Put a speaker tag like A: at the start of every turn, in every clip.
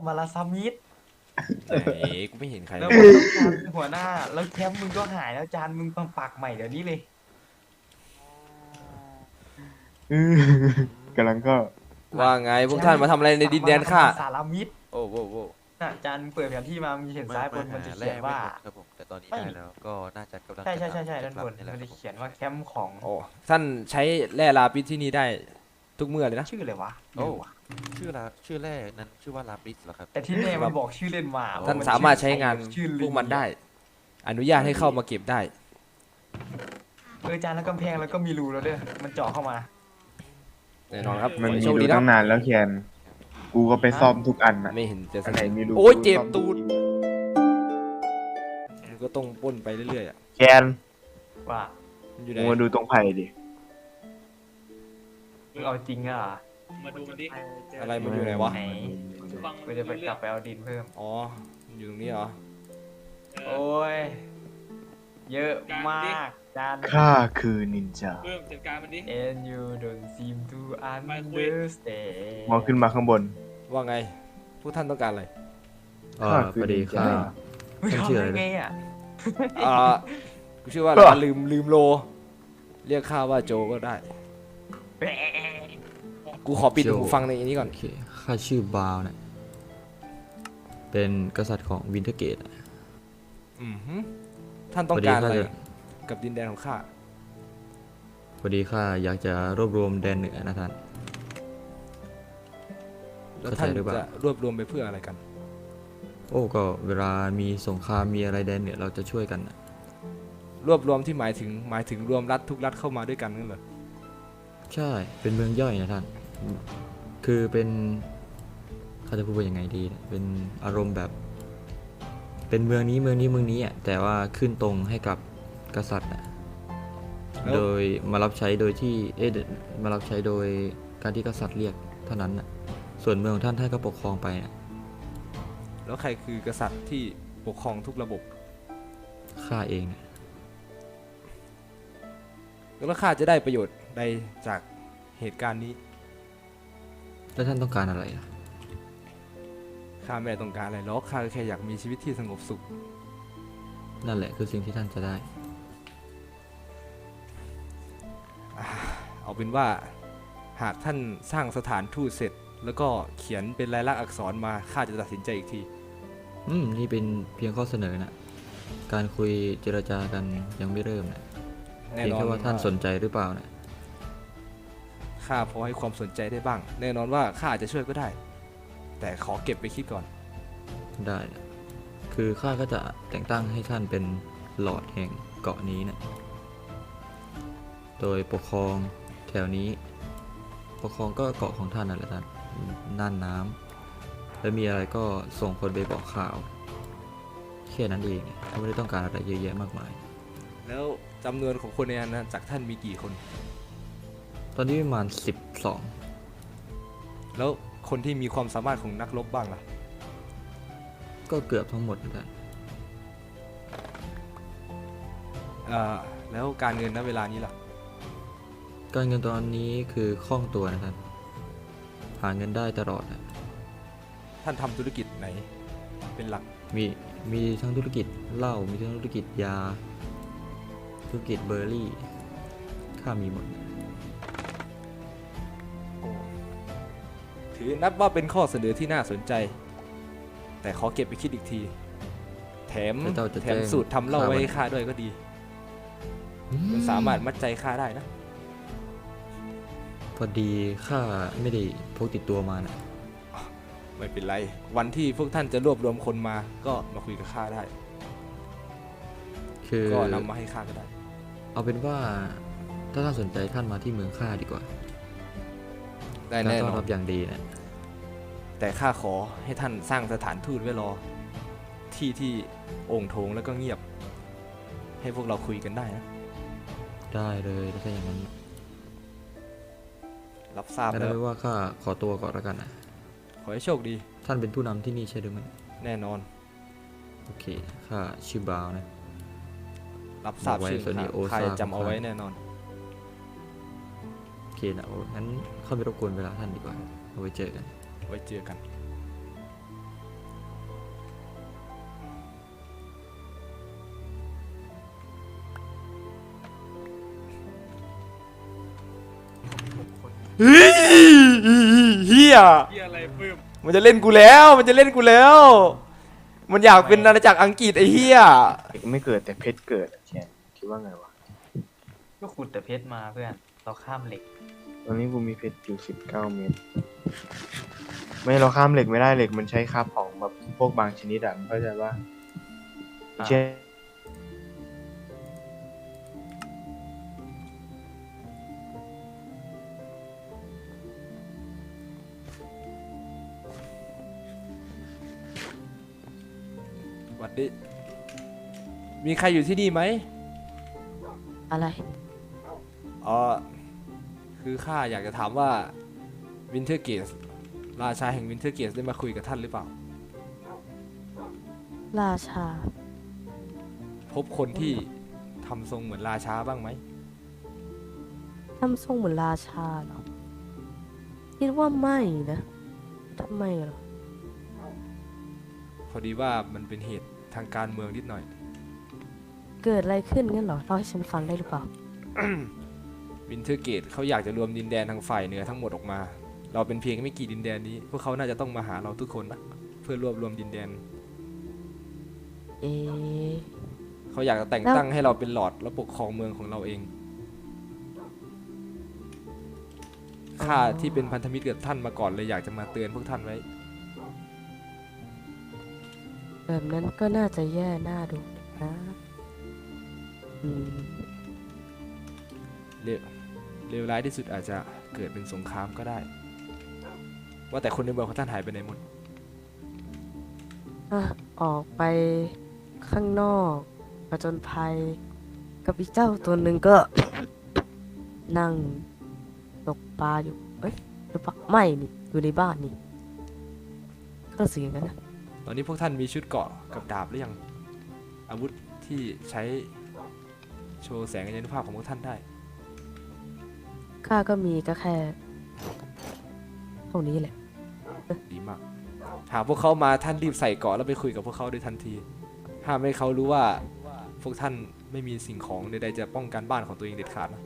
A: มาลาซามิด
B: ไหนกูไม่เห็นใคร
A: แล้ว
B: เลย
A: มึงต้องการเป็นหัวหน้าแล้วแคมป์มึงก็หายแล้วจานมึงต้องปักใหม่เดี๋ยวนี้เลย
C: อือกำลังก็
B: ว่าไงพวกท่านมาทำอะไรในดินแดนข้า
A: สารมิด
B: โอ้โหโว้
A: น่ะจานมึงเปิดแผนที่มามึงจะเห็นซ้ายบนมันจะเขียนว่า
D: ครับผมแต่ตอนนี้
A: ไม่
D: ได้แล้วก็น่าจะกำลัง
A: ใช่
D: จะ
A: ด้านบน
D: นี่แหละ
A: มัน
D: ครั
A: จะ
D: บผม
A: เขียนว่าแคมป์ของ
B: โอ้ท่านใช้แร่ลาปิสที่นี่ได้ทุกเมื่อเลยนะ
A: ชื่ออะไรวะ
D: โอ้
A: ไม่รู้ว่ะ
D: ชื่อแรกนั้นชื่อว่าลาบริสเหรอครับ
A: แต่ที่แน่มันบอกชื่อเล่นมา
B: ท่าน
A: ว่
B: สามารถใช้งาน
A: ชื่อ
B: พวกมันได้ อนุญาตให้เข้ามาเก็บได้
A: จานแล้วกำแพงแล้วก็มีรูแล้วเด้อมันเจาะเข้ามา
B: แน่นอนครับ
C: มันมี
B: โชค
C: ดู
B: ดีนะ
C: ตั้งนานแล้วเคียนกูก็ไปซ่อมทุกอันอ่ะ
B: ไม่เห็นจะ
C: อันไหนมีรู
B: โอ้ย
C: กู
B: เจ็บ
C: ซ่อม
B: ตูดมันก็ต้องปล้นไปเรื่อยๆอ่ะ
C: เคียน
A: ว่า
B: มันอยู่ไหน
C: มึงมาดูตรงไผ่ดิ
A: มึงเอาจริงอ่ะ
E: มาดูมันดิ
B: อะไรมันอยู่ไหนวะ
A: ไหน
E: ฟัง
A: กูจะไปกลับไปเอาดินเพิ่ม
B: อ๋อมันอยู่ตรงนี้เหรอ
A: โอ้ย เยอะมาก จาน
C: ข้าคือนินจา
E: เพิ่มจัดการมันดิ
A: and you don't seem to
E: ไปคุย
A: understand
C: มองขึ้นมาข้างบน
B: ว่าไงพวกท่านต้องการอะไร
C: ข้าคือนินจา
A: มึง
C: ท่านชื่อ
A: ทำ
C: อะไร
A: ยัง
C: นะ
A: ไงอ่ะ
B: อ่ากูชื่อว่าลืมโล เรียกข้าว่าโจก็ได้ กูขอปิดหูฟังในอันนี้ก่อน
F: โอเคข้าชื่อบาวนะเป็นกษัตริย์ของวินเทอร์เกต
B: อือหือท่านต้องการอะไร
F: พอดีข้าจะ
B: กับดินแดนของข้า
F: พอดีข้าอยากจะรวบรวมแดนเหนือนะท่าน
B: แล้วท่าน
F: เข้าใจหรือเปล่า
B: จะรวบรวมไปเพื่ออะไรกัน
F: โอ้ก็เวลามีสงครามมีอะไรแดนเหนือเราจะช่วยกันนะ
B: รวบรวมที่หมายถึงรวมรัฐทุกรัฐเข้ามาด้วยกันนั่นเหรอ
F: ใช่เป็นเมืองย่อยนะท่าน คือเป็นเขาจะพูดว่ายังไงดีนะเป็นอารมณ์แบบ เป็นเมืองนี้อ่ะแต่ว่าขึ้นตรงให้กับกษัตริย์นะ
B: แล้ว
F: โดยมารับใช้โดยที่มารับใช้โดยการที่กษัตริย์เรียกเท่านั้นนะส่วนเมืองของท่านก็ปกครองไปนะ
B: แล้วใครคือกษัตริย์ที่ปกครองทุกระบบ
F: ข้าเองนะ
B: แล้วข้าจะได้ประโยชน์ใดจากเหตุการณ์นี้
F: แล้วท่านต้องการอะไรล่ะ
B: ข้าไม่ได้ต้องการอะไรหรอกข้าแค่อยากมีชีวิตที่สงบสุข
F: นั่นแหละคือสิ่งที่ท่านจะได้
B: เอาเป็นว่าหากท่านสร้างสถานทูตเสร็จ แล้วก็เขียนเป็นลายลักษณ์อักษรมาข้าจะตัดสินใจอีกที
F: นี่เป็นเพียงข้อเสนอนะการคุยเจรจากันยังไม่เริ่มนะ
B: แน่
F: เพียง
B: นอน
F: แค่ว่าท่านสนใจหรือเปล่านะ
B: ข้าพอให้ความสนใจได้บ้าง แน่นอนว่าข้าอาจจะช่วยก็ได้ แต่ขอเก็บไปคิดก่อน
F: ได้นะคือข้าก็จะแต่งตั้งให้ท่านเป็นหลอร์ดแห่งเกาะนี้นะโดยปกครองแถวนี้ ปกครองก็เกาะของท่านนั่นแหละท่านน่านน้ำแล้วมีอะไรก็ส่งคนไปบอกข่าวแค่นั้นเองเขาไม่ได้ต้องการอะไรเยอะแยะมากมาย
B: แล้วจำนวนของคนในอาณาจักรท่านมีกี่คน
F: ตอนนี้ประมาณ
B: แล้วคนที่มีความสามารถของนักรบบ้างล่ะ
F: 12ก็เกือบทั้งหมดเหมือนกัน
B: แล้วการเงินณเวลานี้ล่ะ
F: การเงินตอนนี้คือคล่องตัวนะครับหาเงินได้ตลอดนะ
B: ท่านทำธุรกิจไหนเป็นหลัก
F: มีทั้งธุรกิจเหล้ามีทั้งธุรกิจยา ธุรกิจเบอร์รี่ข้ามีหมดนะ
B: ถือนับว่าเป็นข้อเสนอที่น่าสนใจ แต่ขอเก็บไปคิดอีกที แถมสูตรทำเหล้าไว้ให้ข้าด้วยก็ดี มันสามารถมัดใจข้าได้นะ
F: พอดีข้าไม่ได้พกติดตัวมานะ
B: ไม่เป็นไร วันที่พวกท่านจะรวบรวมคนมาก็มาคุยกับข้าได้
F: คือ
B: ก็นำมาให้ข้าก็ได้
F: เอาเป็นว่าถ้าท่านสนใจท่านมาที่เมืองข้าดีกว่า
B: ได้
F: การ
B: แน่
F: ต้
B: น
F: อน
B: อ
F: รั
B: น
F: บอย่างดีนะ
B: แต่ข้าขอให้ท่านสร้างสถานทูตไว้รอ ที่โอ่งโถงแล้วก็เงียบ ให้พวกเราคุยกันได้นะ
F: ได้เลยถ้าอย่างนั้น
B: รับทราบ
F: งั้น
B: แล้
F: เอา
B: ว
F: ไว้ว่าข้าขอตัวก่อนแล้วกันนะ
B: ขอให้โชคดี
F: ท่านเป็นผู้นำที่นี่ใช่หรือไม่
B: แน่นอน
F: โอเคข้าชื่อบาวนะ
B: รับทราบ
F: บอกไว้
B: ชื่อ
F: ส่วนนี้
B: ข้า
F: โอซา
B: ข้าจะจำเอาไว้แน่นอน
F: โอเคนะโอ้งั้นเข้าไปรบกวนเวลาท่านดีกว่าเอาไว้เจอกัน
B: ไว้เจอกันเฮ้ยเฮีย
E: เหี้ยอะไรปื้ม
B: มันจะเล่นกูแล้ว มันจะเล่นกูแล้ว มันอยากเป็นอาณาจักรอังกฤษไอ้เฮีย
C: เด็กไม่เกิดแต่เพชรเกิดอะแชร์คิดว่าไงวะ
A: ก็ขุดแต่เพชรมาเพื่อนเราข้ามเหล็ก
C: ตอนนี้กูมีเพชรอยู่19 เม็ดไม่เราข้ามเหล็กไม่ได้เหล็กมันใช้คาบของแบบพวกบางชนิดอะมึงเข้าใจว่าเช่น
B: หวัดดีมีใครอยู่ที่นี่ไหม
G: อะไร
B: อ๋อ คือข้าอยากจะถามว่าวินเทอร์เกสราชาแห่งวินเทอร์เกสได้มาคุยกับท่านหรือเปล่า
G: ราชา
B: พบคนที่ทำทรงเหมือนราชาบ้างไหม
G: ทำทรงเหมือนราชาเหรอ คิดว่าไม่นะทำไมเหรอ
B: พอดีว่ามันเป็นเหตุทางการเมืองนิดหน่อย
G: เกิดอะไรขึ้นงั้นเหรอเล่าให้ฉันฟังได้หรือเปล่า
B: วินเทอร์เกตเขาอยากจะรวมดินแดนทางฝ่ายเหนือทั้งหมดออกมา เราเป็นเพียงไม่กี่ดินแดนนี้ พวกเขาน่าจะต้องมาหาเราทุกคนนะเพื่อรวบรวมดินแดน
G: เอ๊ะ
B: เขาอยากจะแต่งตั้งให้เราเป็นหลอร์ดแล้วปกครองเมืองของเราเอง ข้าที่เป็นพันธมิตรกับท่านมาก่อนเลยอยากจะมาเตือนพวกท่านไว้
G: แบบนั้นก็น่าจะแย่น่าดูนะอืม
B: เลวร้ายที่สุดอาจจะเกิดเป็นสงครามก็ได้ ว่าแต่คนในเมืองของท่านหายไปไหนหมด
G: อ่ะออกไปข้างนอกผจญภัย กับอีเจ้าตัวหนึ่งก็ นั่งตกปลาอยู่ เอ้ยหรือเปล่าไม่นี่อยู่ในบ้านนี่ก็เสียงกันนะ
B: ตอนนี้พวกท่านมีชุดเกราะกับดาบหรือยัง อาวุธที่ใช้โชว์แสงอนุภาพของพวกท่านได้
G: ข้าก็มีก็แค่เท่านี้แหละ
B: ดีมากหากพวกเขามาท่านรีบใส่เกราะแล้วไปคุยกับพวกเขาโดยทันที ห้ามให้เขารู้ว่าพวกท่านไม่มีสิ่งของใดๆจะป้องกันบ้านของตัวเองเด็ดขาดนะ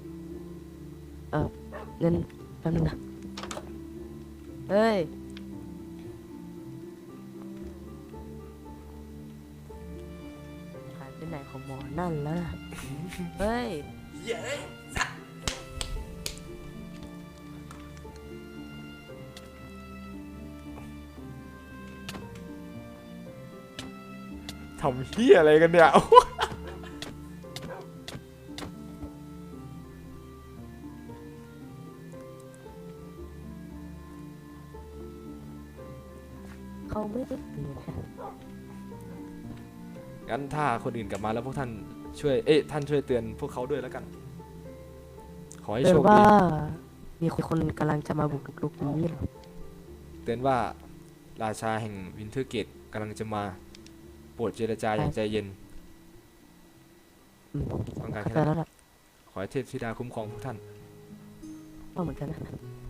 G: เงินแป๊บนึงนะ เฮ้ย หายไปไหนของหมอนั่นแล้วนะ เฮ้ย
B: ทำเฮียอะไรกันเนี่ย
G: เขาไม่ได้เปลี่ยนค่ะ
B: งั้นถ้าคนอื่นกลับมาแล้วพวกท่านช่วย ท่านช่วยเตือนพวกเขาด้วยแล้วกัน ขอให้
G: เตือ
B: โช
G: น
B: ค
G: ว่า
B: ดี
G: มีคนกำลังจะมาบุกรุกนี้เหรอ
B: เตือนว่าราชาแห่งวินเทอร์เกตกำลังจะมาโปรดเจรจาอย่างใจเย็น
G: อืม
B: ต้องการ
G: เข้า
B: แค่
G: ใจ
B: นั้น
G: แล้วล่ะ
B: ขอให้เทพธิดาคุ้มครองพวกท่าน
G: ว่าเหมือนกันนะ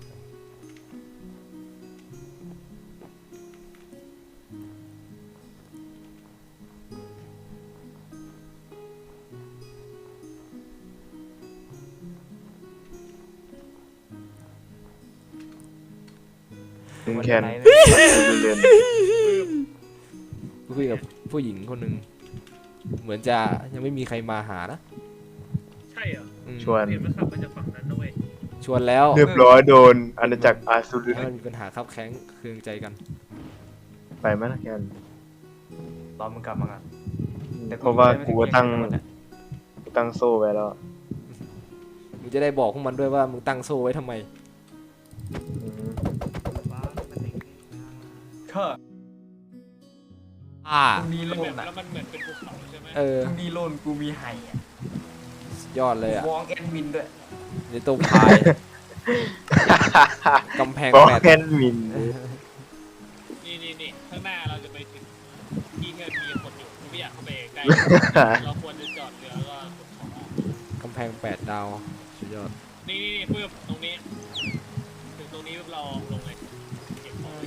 C: มึงแคน
A: ไหน
C: เรียน
B: คุยกับผู้หญิงคนหนึ่งเหมือนจะยังไม่มีใครมาหานะ
E: ใช่เหรอ
B: อืม
C: ชวน
E: เห็นมันขับมาจากฝั่งนั้นนะเว้ย
B: ชวนแล้ว
C: เรียบร้อยโดนอาณาจักรอาซูรุ
B: แล้วมีปัญหาคับแค้งเคืองใจกัน
C: ไปไหมนะแคน
A: รอมึงกลับมาก่อนแต่
C: เพราะว่ากูก็ตั้ง
A: ไม่ได้
C: กูตั้งโซ่ไว้แล้ว
B: มึงจะได้บอกพวกมันด้วยว่ามึงตั้งโซ่ไว้ทำไม
C: อืม
A: ก็ มึงมี
E: แล้ว
A: โล
E: แบ
A: น
E: บ
A: อ่ะ
E: แล้วมันเหมือนเป็นภูเขาใช่ไหม
B: เออ
A: มึงมีโลนกูมีไห่อ่ะ
B: สุดยอดเลยอ่ะ
A: วองแอนวินด้วย
B: ในตัวพายกำแพง
C: ก็
B: แปด
C: แคนมิน
E: นี่ข้างหน้าเราจะไปถึงที่ที่มีคนอยู่ไม่อยากเข้าไปใกล้ เราควรจะจอดเรือแล้วก็ขนของออก
B: กำแพง8 ดาวสุดยอด
E: นี่เพื่อตรงนี้ ถึงตรงนี้เราลงเลยเก็บของ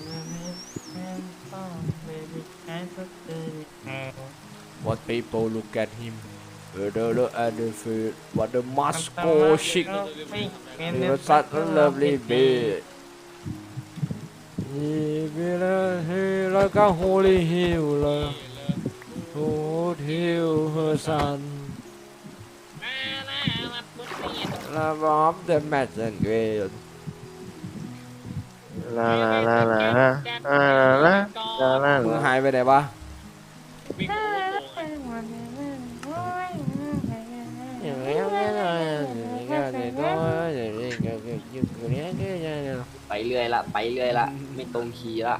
B: What people look at him The Anfield what the Moscow chic the such a lovely bed he like a holy healer who heal her son love of the messenger
C: ลาลาลาลาลาลาลาลาลา
B: มึงหายไปไหนวะ
E: วิ่งโค้ง
A: ไปเรื่อยละไม่ตรงคีย์ละ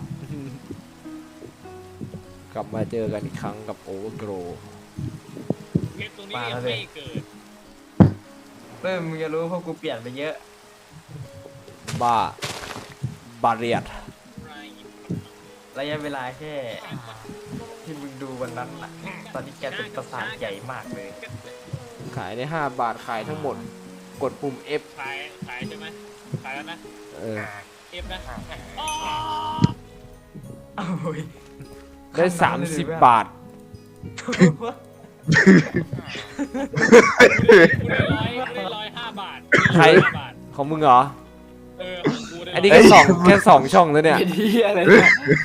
B: กลับมาเจอกันอีกครั้งกับโอเวอร์โกร
E: เพชรตรงนี้ยังไม่เกิด
A: เพิ่มมึงจะรู้เพราะกูเปลี่ยนไปเยอะ
B: บ้าบาเรียด
A: ระยะเวลาแค่ที่มึงดูวันนั้นน่ะตอนที่แกเป็นประสาทใหญ่มากเลย
B: ขายได้5 บาทขายทั้งหมด กดปุ่ม F
E: ขายใช่ไหมขายแล้วนะ
B: เออ
E: เอฟนะ
A: โอ้ย
B: ได้30 บาท
E: กูได้105 บาท
B: ใคร
E: 5 บาท
B: ของมึงเหรอ
E: เออของกูได้
B: อันนี้แค่สองช่องแล้วเนี่ย
A: ไอ้ที่อะไรเนี่ย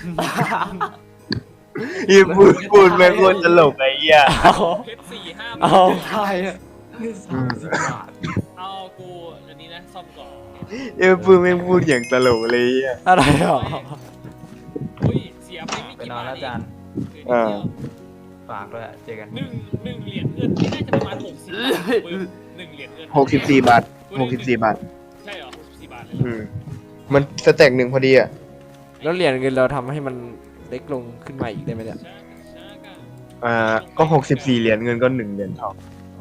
C: อีพูดแม่งโคตรตลกไอ้เหี้ย
E: เพชร4-5 บา
B: เอา
E: ท
A: ใช่อะ30 บาท
E: เอากูอันนี้นะซ่อมก่อน
C: พูดแม่งพูดอย่างตลกเลยอ่ะ
B: อะไรหรอ
E: อุ้ยเสียไปไม่
A: ไป
E: กี่
A: นอน
E: บาท
A: แล้วจาน
E: คือนิดเดียว
A: ฝากด้วยเจอกัน
E: หนึ่งเหรียญเงินนี่น่าจะประมาณ60 บาทปึ๊บ1 เหรียญเงิน
C: 64 บาท 64 บาท
E: ใช่เหรอ64 บาทเลยเหรอ
C: มันสแต็กหนึ่งพอดีอ่ะ
B: แล้วเหรียญเงินเราทำให้มันเล็กลงขึ้นมาอีกได้ไหมเนี่ย
C: ก็64 เหรียญเงินก็1 เหรียญทอง
B: โอ้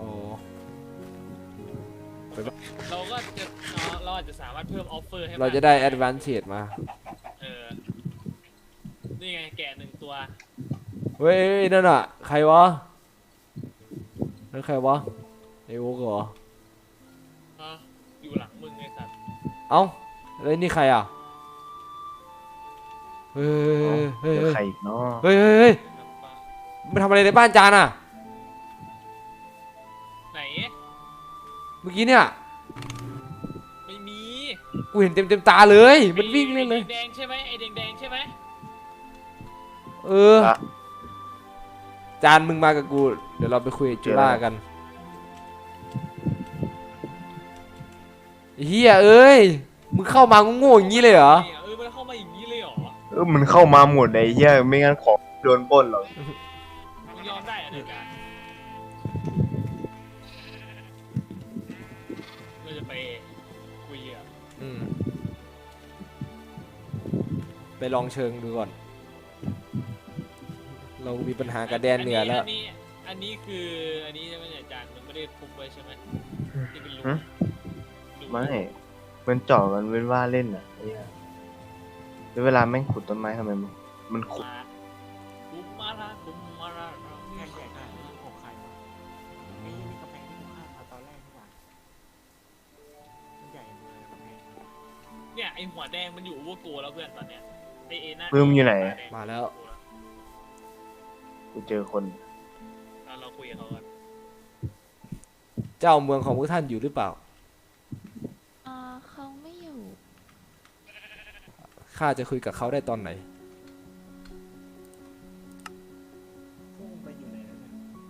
E: เราก็จะเราอาจจะสามารถเพิ่มออฟเฟอร์ให้
B: เราจะได้ advantage มา
E: เออนี่ไงแกะ1 ตัว
B: เฮ้ยนั่นอ่ะ ใครวะนั่นใครวะไอโอ๊กเหรอ
E: อยู่หลังมึงไงสัตว์
B: เอ้าแล้วนี่ใครอ่ะ เฮ้ยเฮ้ย
C: ใครอีกเนาะ
B: เฮ้ยเฮ้ยเฮ้ยมันทำอะไรในบ้านจานอ่ะ
E: ไหน
B: เมื่อกี้เนี่ย
E: ไม่มี
B: กูเห็นเต็มตาเลย มันวิ่งเล่นเลย
E: ไอ้แดงใช่ไหมไอ้แดงใช่ไหม
B: เออ จานมึงมากับกู เดี๋ยวเราไปคุยกับจุฬากันเฮียเอ้ย มึงเข้ามาโง่ๆอย่างนี้เลยเหรอ
E: มันเข้ามาอย่างนี้เลยเหรอ
C: มันเข้ามาหมดไอ้เหี้ยไม่งั้นของโดนปล้นหรอก
E: มึงยอมได้เหรอเด็กการเราจะไปคุยอ่ะ
B: อืมไปลองเชิงดูก่อน เรามีปัญหากับแดนเหนือแล้ว
E: อันนี้คืออันนี้ใช่ไหมเนี่ยอาจารย์มันไม่ได้ทุบไว้ใช่ไหมที่เป็นรู
C: ไม่ มันเจาะกันเว้นว่าเล่นอ่ะไอ้เหี้ยแล้วเวลาแม่งขุดต้นไม้ทำไมมันขุด
E: บุมมาราบุมมารา
H: แค่ใหญ่ได้ของใครวะไอ้นี่กำแพงที่กูข้ามมาตอนแรกนี่หว่ามันใหญ่เลยกำแพง
E: เนี่ยไอหัวแดงมันอยู่โอเวอร์โกแล้วเพื่อนตอนเนี้ยไอเอน่า
C: ปื้มอยู่ไหน
B: มาแล้ว
C: กูเจอคน
E: เราคุยกับเขากัน
B: เจ้าเมืองของพวกท่านอยู่หรือเปล่า
I: เขาไม่อยู่
B: ข้าจะคุยกับเขาได้ตอนไหน
H: พุ่งไปอยู่ไหนแล้วเนี่ย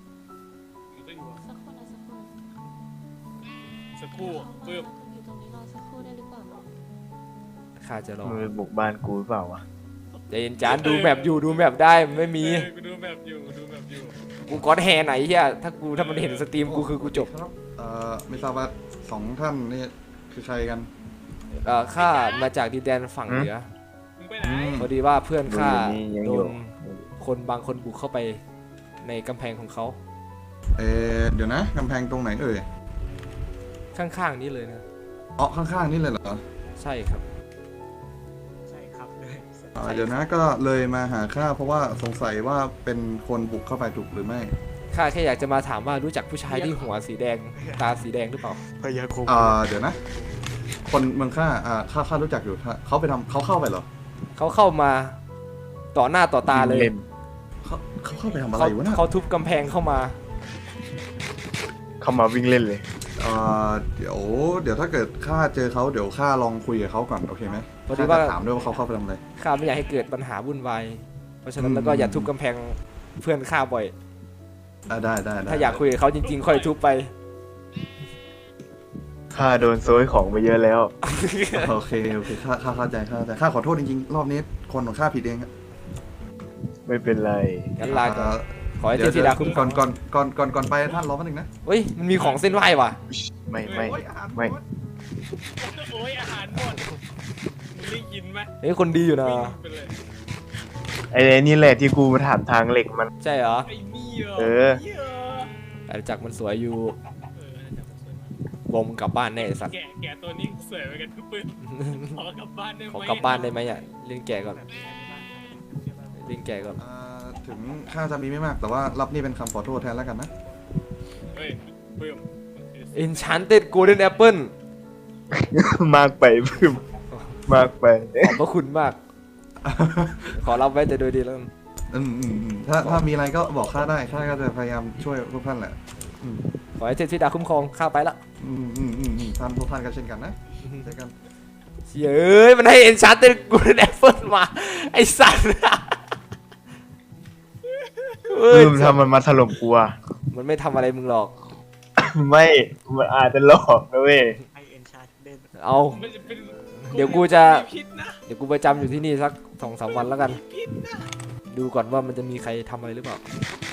I: สักคนนะสักคน
E: สักครู่ปื้ม
I: อยู่ตรงนี้รอสักครู่ได้หรือเปล่า
B: ข้าจะรอ
C: มึงไปบุกบ้านกูหรือเปล่าวะ
B: ใจเย็นจานดูแมปอยู่ดูแมปได้มันไม่มี
E: กูดูแบบอยู่ดูแบบอยู่
B: กูก้อนแฮไหนเฮียถ้ามันเห็นสตรีมกูคือกูจบ
J: ครับไม่ทราบว่า2 ท่านนี่คือใครกัน
B: ข้ามาจากดินแดนฝั่งเหนือ
E: มึงไปไหน
B: พอดีว่าเพื่อนข้า
C: มึงอยู่นี่ยัง
B: โด
C: อยู่
B: นคนบางคนบุกเข้าไปในกำแพงของเขา
J: เดี๋ยวนะกำแพงตรงไหนเอ่ย
B: ข้างๆนี้เลยนะ
J: อ๋อข้างๆนี่เลยเหรอ
B: ใช่ครับ
H: ใช่ครับเลย
J: เดี๋ยวนะก็เลยมาหาข้าเพราะว่าสงสัยว่าเป็นคนบุกเข้าไปถูกหรือไม่
B: ข้าแค่อยากจะมาถามว่ารู้จักผู้ชายที่หัวสีแดงตาสีแดงหรือเปล่า
H: พยาคม
J: เดี๋ยวนะ คนเมืองข้าข้ารู้จักอยู่เขาไปทำเขาเข้าไปเหรอ
B: เขาเข้ามาต่อหน้าต่อตาเลย
C: เล่น
J: เขาเข้าไปทำอะไร
B: เขา
J: วะน่ะ
B: เขาทุบกำแพงเข้ามา
C: เข้ามาวิ่งเล่นเลย
J: เดี๋ยวถ้าเกิดข้าเจอเขาเดี๋ยวข้าลองคุยกับเขาก่อนโอเคไหม
B: พอดี
J: ข้า
B: ว่า
J: จะถามด้วยว่าเขาเข้าไปทำอะไร
B: ข้าไม่อยากให้เกิดปัญหาวุ่นวายเพราะฉะนั้นแล้วก็
J: อืม
B: อย่าทุบกำแพงเพื่อนข้าบ่อย
J: ได้
B: ถ้าอยากคุยกับเขาจริงๆค่อยทุบไป
C: ข้าโดนโซยของไปเยอะแล้ว
J: โอเคข้าเข้าใจข้าขอโทษจริงๆรอบนี้คนของข้าผิดเองอะ
C: ไม่เป็นไร
B: งั้นลาก่อน
J: เอ่อ
B: ขอให้เทพธิดาคุ้มคร
J: ก่
B: อ
J: อง นก่อนไปท่านรอแป๊บนึงนะ
B: เฮ้ยมันมีของเส้นไหว้ว่ะ
C: ไม่
J: โอ้ยอาหาร
C: ไม่
J: หมด
E: โอ้ยอาหารหมดมึงได้ยินไหม
B: เฮ้ยคนดีอยู่นะ
E: วิ่งไปเลย
C: ไอ้นี่แหละที่กูมาถามทางเหล็กมัน
B: ใช่เหรอ
E: ไอ้นี่เหรอ
C: เออ
E: นี่เหรอ
B: อาณาจักรมันสวยอยู่
E: เออน่าจะสวยมาก
B: วงกลับบ้านแน่ไอ้สัตว์
E: แกะตัวนี้สวยไปกันทุกปืนขอกลับบ้านได้ไหม
B: ขอกลับบ้านได้ไหมอ่ะเล่นแก่ก่อนเล่นแก่ก่อน
J: ถึงข้าจะมีไม่มากแต่ว่ารับนี่เป็นคำขอโทษแทนแล้วกันนะ
E: เฮ้ยเพิ่ม
B: Enchanted Golden Apple
C: มากไปพึ่มมากไป
B: ขอบพระคุณมาก ขอรับไว้แต่โดยดีแล้วกัน
J: ถ้ามีอะไรก็บอกข้าได้ข้าก็จะพยายามช่วยพวกท่านแหละ
B: ขอให้เทพธิดาคุ้มครองข้าไปละ
J: ท่านพวกท่านก็เช่นกันนะเจอกัน
B: เฮ้ยมันให้ Enchanted Golden Apple มา ไอสัตว์เฮ้ย
C: พึ่มทำมันมาถล่มกูอะ
B: มันไม่ทำอะไรมึงหรอก
C: ไม่ มันอาจจะหลอกนะเว้ย
H: ไอเอ็นชาร์เด่น
B: เอา
E: มันจะเป็น
B: เดี๋ยวกูจะ
E: มีพิษนะ
B: เดี๋ยวกูประจำอยู่ที่นี่สัก 2-3 วันแล้วกัน
E: พิษนะ
B: ดูก่อนว่ามันจะมีใครทำอะไรหรือเปล่า
E: เ